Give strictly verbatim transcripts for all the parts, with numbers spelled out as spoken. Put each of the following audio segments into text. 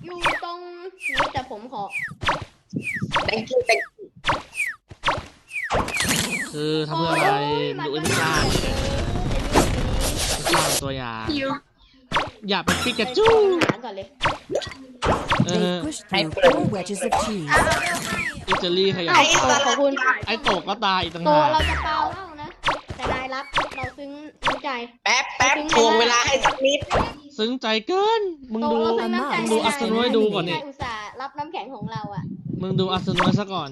อยู่ตรงนี้แต่ผมขอ thank you thank you คือทำเพื่ออะไรดูอินซ่าอินซ่าตัวอย่างอย่าเป็นปิกาจูหาก่อนเลยเอ They อ pushed through four wedges of cheese. อิตาลีขยันไอ้โตขอบคุณไอ้โตกก็ตายอีกต่างโตหากเราจะเปล่าเล่านะแต่นายรับเราซึ้งน้ำใจแป๊บแป๊บทวงเวลาให้สักนิดซึ้งใจเกินมึงโตดูเราซึ้งน้ำใจมึงดูอัศนวยดูก่อนนี่นายอุตส่าห์รับน้ำแข็งของเราอ่ะมึงดูอัศนวยซะก่อน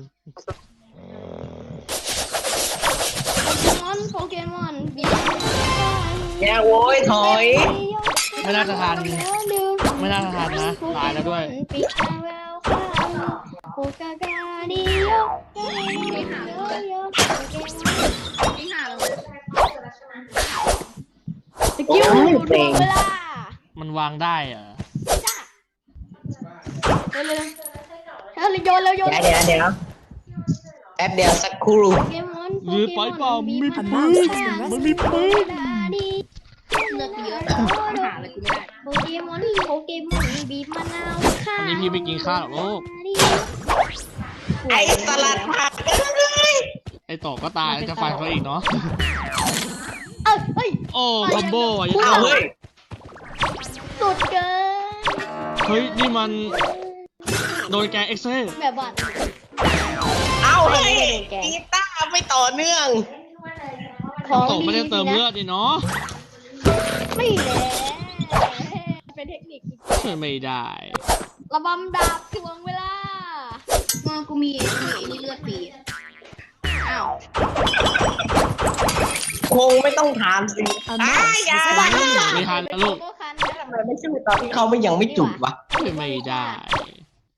โปเกมอนโปเกมอนบีอย่าโว้ยถอยไม่น่าจะทันไม่น่าจะทันนะตายแล้วด้วยปิกาเวลคัมโปกากาดิโยไม่หาเลยไม่หาเลยสกิลดูเวลามันวางได้เหรอเร็วเร็วเร็วโยนเร็วโยนเดี๋ยวเดี๋ยวเดี๋ยวแป๊บเดียวสักครู่โปเกมอนยืนไปเปล่ามี A ปืน mouse has been มันมี rescued. ปืนเลือกเยอะหาอะไรกูไม่ได้โปเกมอนโปเกมอนบีบมะนาวค่ะอันนี้พี่ไม่กินข้าวหรอกลูกไอ้สลัดผักเอ้ยไอ้โตกก็ตายแล้วจะฟันเขาอีกเนาะเอ้ยเฮ้ยโอ้คอมโบอ่ะยังอ้าวเฮ้ยสุดเกินเฮ้ยนี่มันโดนแกงเอ็กเซ่แบบว่าเอ้าเฮ้ยกีตาร์ไม่ต่อเนื่องของโตกไม่ได้เติมเลือดดิเนาะไม่แน่เป็นเทคนิคช่วยไม่ได้ระบำดาบทวงเวลามากูมีมีเลือดปีอ้าวคงไม่ต้องถามสิ A อ้า mouse อย่า has been ไม่ทันนะลูกก็คันทำไมไม่ชื่อตอนที่เขาไม่ยังไม่จุดวะช่วยไม่ได้